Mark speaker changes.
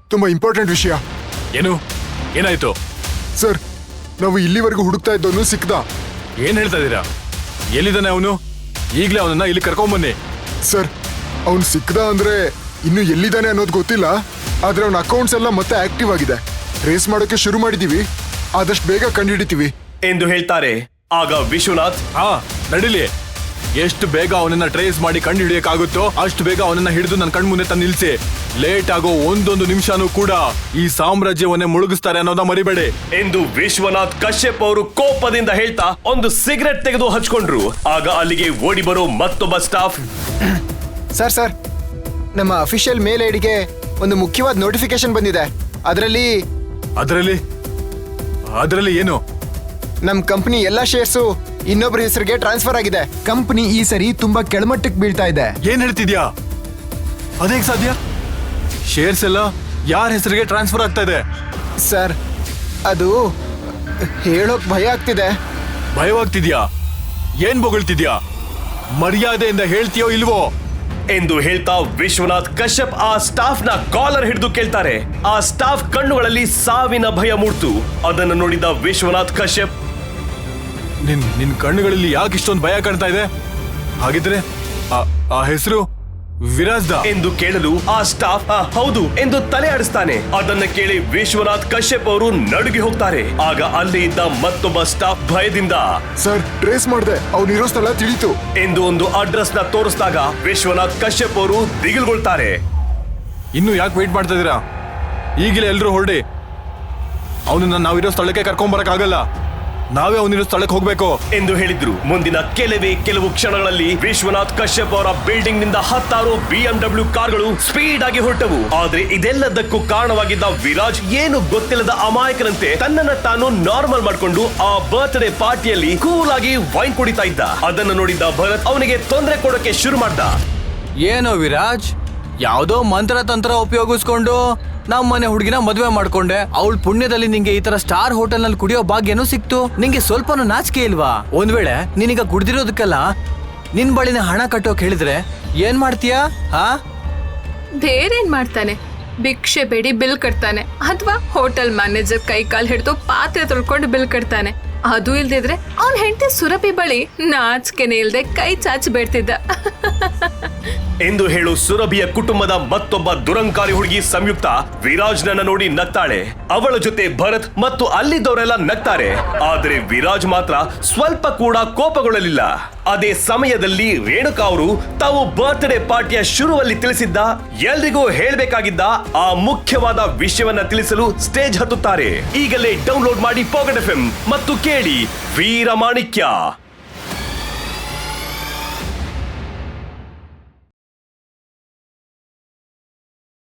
Speaker 1: ತುಂಬಾ ಇಂಪಾರ್ಟೆಂಟ್ ವಿಷಯ.
Speaker 2: ಏನು ಏನಾಯ್ತು
Speaker 1: ಸರ್, ನಾವು ಇಲ್ಲಿವರೆಗೂ ಹುಡುಕ್ತಾ ಇದ್ದವನು ಸಿಕ್ದ.
Speaker 2: ಏನ್ ಹೇಳ್ತಾ ಇದ್ದೀರಾ? ಎಲ್ಲಿದ್ದಾನೆ ಅವನು? ಈಗಲೇ ಅವನನ್ನ ಇಲ್ಲಿ ಕರ್ಕೊಂಬನ್ನಿ.
Speaker 1: ಸರ್, ಅವನು ಸಿಕ್ದ ಅಂದ್ರೆ ಇನ್ನು ಎಲ್ಲಿದ್ದಾನೆ ಅನ್ನೋದು ಗೊತ್ತಿಲ್ಲ. ಆದ್ರೆ ಅವನ ಅಕೌಂಟ್ಸ್ ಎಲ್ಲ ಮತ್ತೆ ಆಕ್ಟಿವ್ ಆಗಿದೆ. ಟ್ರೇಸ್ ಮಾಡೋಕೆ ಶುರು ಮಾಡಿದೀವಿ. ಆದಷ್ಟು ಬೇಗ ಕಂಡುಹಿಡಿತೀವಿ
Speaker 3: ಎಂದು ಹೇಳ್ತಾರೆ. ಆಗ ವಿಶ್ವನಾಥ್,
Speaker 2: ನಡಿಲಿ. ಎಷ್ಟು ಬೇಗ ಅವನನ್ನ ಟ್ರೇಸ್ ಮಾಡಿ ಕಂಡು ಹಿಡಿಯಕ್ಕಾಗುತ್ತೋ ಅಷ್ಟು ಬೇಗ ಅವನನ್ನ ಹಿಡಿದು ನನ್ನ ಕಣ್ಮುಂದೆ ತಂದು ನಿಲ್ಸಿ. ಲೇಟ್ ಆಗೋ ಒಂದೊಂದು ನಿಮಿಷನೂ ಕೂಡ ಈ ಸಾಮ್ರಾಜ್ಯವನ್ನೇ ಮುಳುಗಿಸ್ತಾರೆ ಅನ್ನೋದನ್ನ ಮರಿಬೇಡಿ
Speaker 3: ಎಂದು ವಿಶ್ವನಾಥ್ ಕಶ್ಯಪ್ ಅವರು ಕೋಪದಿಂದ ಹೇಳ್ತಾ ಒಂದು ಸಿಗರೆಟ್ ತೆಗೆದು ಹಚ್ಕೊಂಡ್ರು. ಆಗ ಅಲ್ಲಿಗೆ ಓಡಿ ಬರೋ ಮತ್ತೊಬ್ಬ ಸ್ಟಾಫ್,
Speaker 4: ಸರ್, ನಮ್ಮ ಅಫಿಷಿಯಲ್ ಮೇಲ್ ಐಡಿಗೆ ಒಂದು ಮುಖ್ಯವಾದ ನೋಟಿಫಿಕೇಶನ್ ಬಂದಿದೆ.
Speaker 2: ಅದರಲ್ಲಿ ಏನು?
Speaker 4: ನಮ್ಮ ಕಂಪನಿ ಎಲ್ಲಾ ಶೇರ್ಸು ಇನ್ನೊಬ್ಬರ ಹೆಸರಿಗೆ ಟ್ರಾನ್ಸ್ಫರ್ ಆಗಿದೆ. ಕಂಪನಿ ಈ ಸರಿ ತುಂಬಾ ಕೆಳಮಟ್ಟಕ್ಕೆ ಬೀಳ್ತಾ ಇದೆ.
Speaker 2: ಏನ್ ಹೇಳ್ತಿದ್ಯಾ? ಅದೇಗ್ ಸಾಧ್ಯ? ಶೇರ್ಸ್ ಎಲ್ಲ ಯಾರ ಹೆಸರಿಗೆ ಟ್ರಾನ್ಸ್ಫರ್ ಆಗ್ತಾ ಇದೆ?
Speaker 4: ಸರ್, ಅದು ಹೇಳೋಕ್ ಭಯ ಆಗ್ತಿದೆ.
Speaker 2: ಭಯವಾಗ್ತಿದ್ಯಾ? ಏನ್ ಬೊಗಳ್ತಿದ್ಯಾ? ಮರ್ಯಾದೆಯಿಂದ ಹೇಳ್ತೀಯೋ ಇಲ್ವೋ
Speaker 3: ಎಂದು ಹೇಳ್ತಾ ವಿಶ್ವನಾಥ್ ಕಶ್ಯಪ್ ಆ ಸ್ಟಾಫ್ ನ ಕಾಲರ್ ಹಿಡಿದು ಕೇಳ್ತಾರೆ. ಆ ಸ್ಟಾಫ್ ಕಣ್ಣುಗಳಲ್ಲಿ ಸಾವಿನ ಭಯ ಮೂಡ್ತು. ಅದನ್ನು ನೋಡಿದ ವಿಶ್ವನಾಥ್ ಕಶ್ಯಪ್,
Speaker 2: ನಿನ್ ಕಣ್ಣುಗಳಲ್ಲಿ ಯಾಕೆ ಇಷ್ಟೊಂದು ಭಯ ಕಾಣ್ತಾ ಇದೆ? ಹಾಗಿದ್ರೆ ಆ ಹೆಸರು ವಿರಾಜ್ದ
Speaker 3: ಎಂದು ಕೇಳಲು ಆ ಸ್ಟಾಫ್ ಹೌದು ಎಂದು ತಲೆ ಆಡಿಸ್ತಾನೆ. ಅದನ್ನ ಕೇಳಿ ವಿಶ್ವನಾಥ್ ಕಶ್ಯಪ್ ಅವರು ನಡುಗಿ ಹೋಗ್ತಾರೆ. ಆಗ ಅಲ್ಲಿ ಇದ್ದ ಮತ್ತೊಬ್ಬ ಸ್ಟಾಫ್ ಭಯದಿಂದ,
Speaker 1: ಸರ್, ಟ್ರೇಸ್ ಮಾಡಿದೆ, ಅವನಿರೋ ಸ್ಥಳ ತಿಳಿತು
Speaker 3: ಎಂದು ಒಂದು ಅಡ್ರೆಸ್ ನ ತೋರಿಸಿದಾಗ ವಿಶ್ವನಾಥ್ ಕಶ್ಯಪ್ ಅವರು ದಿಗಿಲ್ಗೊಳ್ತಾರೆ.
Speaker 2: ಇನ್ನು ಯಾಕೆ ವೇಟ್ ಮಾಡ್ತಾ ಇದೀರಾ? ಈಗಲೇ ಎಲ್ರೂ ಹೊರಡಿ. ಅವನನ್ನ ನಾವಿರೋ ಸ್ಥಳಕ್ಕೆ ಕರ್ಕೊಂಡ್ ಆಗಲ್ಲ. ನಾವೇ ಅವನಿರೋ ಸ್ಥಳಕ್ಕೆ ಹೋಗ್ಬೇಕು
Speaker 3: ಎಂದು ಹೇಳಿದ್ರು. ಮುಂದಿನ ಕೆಲವು ಕ್ಷಣಗಳಲ್ಲಿ ವಿಶ್ವನಾಥ್ ಕಶ್ಯಪ್ ಅವರ ಬಿಲ್ಡಿಂಗ್ ನಿಂದ 10 BMW ಕಾರ್ಗಳು ಸ್ಪೀಡ್ ಆಗಿ ಹೊರಟವು. ಆದ್ರೆ ಇದೆಲ್ಲದಕ್ಕೂ ಕಾರಣವಾಗಿದ್ದ ವಿರಾಜ್ ಏನು ಗೊತ್ತಿಲ್ಲದ ಅಮಾಯಕನಂತೆ ತನ್ನನ್ನ ತಾನು ನಾರ್ಮಲ್ ಮಾಡ್ಕೊಂಡು ಆ ಬರ್ತ್ಡೇ ಪಾರ್ಟಿಯಲ್ಲಿ ಕೂಲ್ ಆಗಿ ವೈನ್ ಕುಡಿತಾ ಇದ್ದ. ಅದನ್ನು ನೋಡಿದ್ದ ಭರತ್ ಅವನಿಗೆ ತೊಂದರೆ ಕೊಡೋಕೆ ಶುರು ಮಾಡ್ದ.
Speaker 5: ಏನೋ ವಿರಾಜ್, ಯಾವ್ದೋ ಮಂತ್ರ ತಂತ್ರ ಉಪಯೋಗಿಸ್ಕೊಂಡು ನಮ್ಮನೆ ಹುಡುಗಿನ ಮದುವೆ ಮಾಡ್ಕೊಂಡೆ. ಅವಳ ಪುಣ್ಯದಲ್ಲಿ ನಿಂಗೆ ಈ ತರ ಸ್ಟಾರ್ ಹೋಟೆಲ್ ನಲ್ಲಿ ಕುಡಿಯೋ ಭಾಗ್ಯನೂ ಸಿಕ್ತು. ನಿಂಗೆ ಸ್ವಲ್ಪನೂ ನಾಚಿಕೆ ಇಲ್ವಾ? ಒಂದ್ ವೇಳೆ ನೀನೀಗ ಕುಡ್ದಿರೋದಕ್ಕೆಲ್ಲ ನಿನ್ ಬಳಿನ ಹಣ ಕಟ್ಟೋಕ್ ಹೇಳಿದ್ರೆ ಏನ್ ಮಾಡ್ತೀಯಾ?
Speaker 6: ಬೇರೇನ್ ಮಾಡ್ತಾನೆ? ಭಿಕ್ಷೆ ಬೇಡಿ ಬಿಲ್ ಕಟ್ತಾನೆ, ಅಥವಾ ಹೋಟೆಲ್ ಮ್ಯಾನೇಜರ್ ಕೈ ಕಾಲ್ ಹಿಡಿದು ಪಾತ್ರೆ ತೊಳ್ಕೊಂಡು ಬಿಲ್ ಕಟ್ತಾನೆ. ಅದು ಇಲ್ದಿದ್ರೆ ಅವನ್ ಹೆಂಡತಿ ಸುರಭಿ ಬಳಿ ನಾಚಿಕೆನೆ ಇಲ್ದೆ ಕೈ ಚಾಚಿ ಬೇಡ್ತಿದ್ದ
Speaker 3: ಎಂದು ಹೇಳು ಸುರಭಿಯ ಕುಟುಂಬದ ಮತ್ತೊಬ್ಬ ದುರಂಕಾರಿ ಹುಡುಗಿ ಸಂಯುಕ್ತ ವಿರಾಜ್ನನ್ನ ನೋಡಿ ನಗ್ತಾಳೆ. ಅವಳ ಜೊತೆ ಭರತ್ ಮತ್ತು ಅಲ್ಲಿದ್ದವರೆಲ್ಲ ನಗ್ತಾರೆ. ಆದ್ರೆ ವಿರಾಜ್ ಮಾತ್ರ ಸ್ವಲ್ಪ ಕೂಡ ಕೋಪಗೊಳ್ಳಲಿಲ್ಲ. ಅದೇ ಸಮಯದಲ್ಲಿ ರೇಣುಕಾ ಅವರು ತಾವು ಬರ್ತ್ಡೇ ಪಾರ್ಟಿಯ ಶುರುವಲ್ಲಿ ತಿಳಿಸಿದ್ದ ಎಲ್ರಿಗೂ ಹೇಳ್ಬೇಕಾಗಿದ್ದ ಆ ಮುಖ್ಯವಾದ ವಿಷಯವನ್ನ ತಿಳಿಸಲು ಸ್ಟೇಜ್ ಹತ್ತುತ್ತಾರೆ. ಈಗಲೇ ಡೌನ್ಲೋಡ್ ಮಾಡಿ ಪಾಕೆಟ್ FM ಮತ್ತು ಕೇಳಿ ವೀರಮಾಣಿಕ್ಯ.